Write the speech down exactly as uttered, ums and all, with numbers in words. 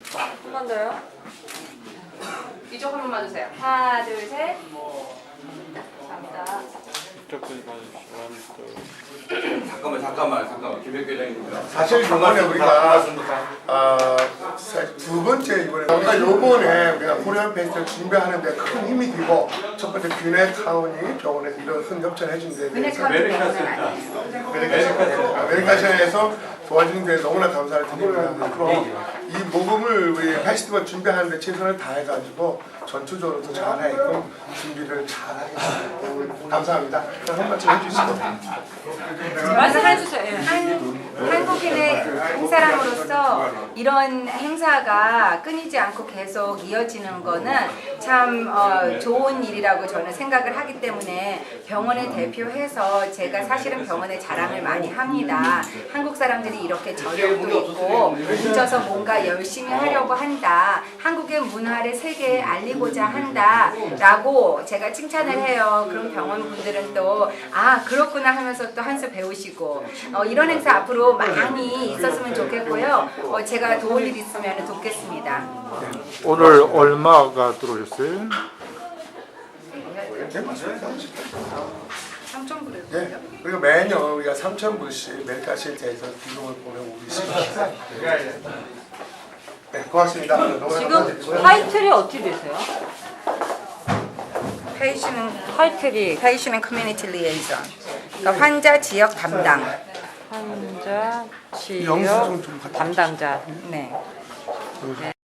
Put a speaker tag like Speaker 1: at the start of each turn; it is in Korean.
Speaker 1: 한 번 더요.
Speaker 2: 이쪽 한 번만 주세요. 하나, 둘, 셋. 감사합니다.
Speaker 3: 이쪽까지 봐주시고.
Speaker 4: 잠깐만 잠깐만 잠깐만 김백 회장입니다.
Speaker 5: 사실 이번에 우리가 아, 두 번째 이번에 그러니까 요번에 우리가 코리안 페스티벌 준비하는데 큰 힘이 되고 첫 번째 뷰네타운이 병원에서 이런 큰 협찬을 해준 데에 대해서 아메리카션에서 도와주는 데 너무나 감사를 드립니다. 앞으로 이 모금을 우리 페스티벌 준비하는데 최선을 다해가지고 전투적으로 더 잘하게끔 준비를 잘하겠습니다. 감사합니다. 그럼 한 말씀 해주시고.
Speaker 1: 말씀해주세요.
Speaker 2: 한, 한국인의 한 사람으로서 이런 행사가 끊이지 않고 계속 이어지는 거는 참 어, 좋은 일이라고 저는 생각을 하기 때문에 병원을 대표해서 제가 사실은 병원의 자랑을 많이 합니다. 한국 사람들이 이렇게 저력도 있고 뭉쳐서 뭔가 열심히 하려고 한다. 한국의 문화를 세계에 알리고자 한다 라고 제가 칭찬을 해요. 그럼 병원 분들은 또 아 그렇구나 하면서 또 한 수 배우시고 어, 이런 행사 앞으로 많이 있었으면 좋겠고요. 어, 제가 도울 일 있으면 돕겠습니다.
Speaker 3: 오늘 얼마가 들어오셨어요?
Speaker 2: 삼천 불을
Speaker 5: 네, 그리고 매년 우리가 삼천 불씩 멜카실제에서 기금을 보내고 있습니다. 네, 고맙습니다. 너무
Speaker 1: 지금
Speaker 5: 감사드리고요.
Speaker 1: 타이틀이 어떻게 되세요?
Speaker 2: 페이시는
Speaker 1: 타이틀이
Speaker 2: 페이시는 커뮤니티 리에이전. 그러니까 환자 지역 담당.
Speaker 1: 환자
Speaker 5: 영수
Speaker 1: 치료
Speaker 5: 좀 좀 갖다
Speaker 1: 담당자.
Speaker 2: 네.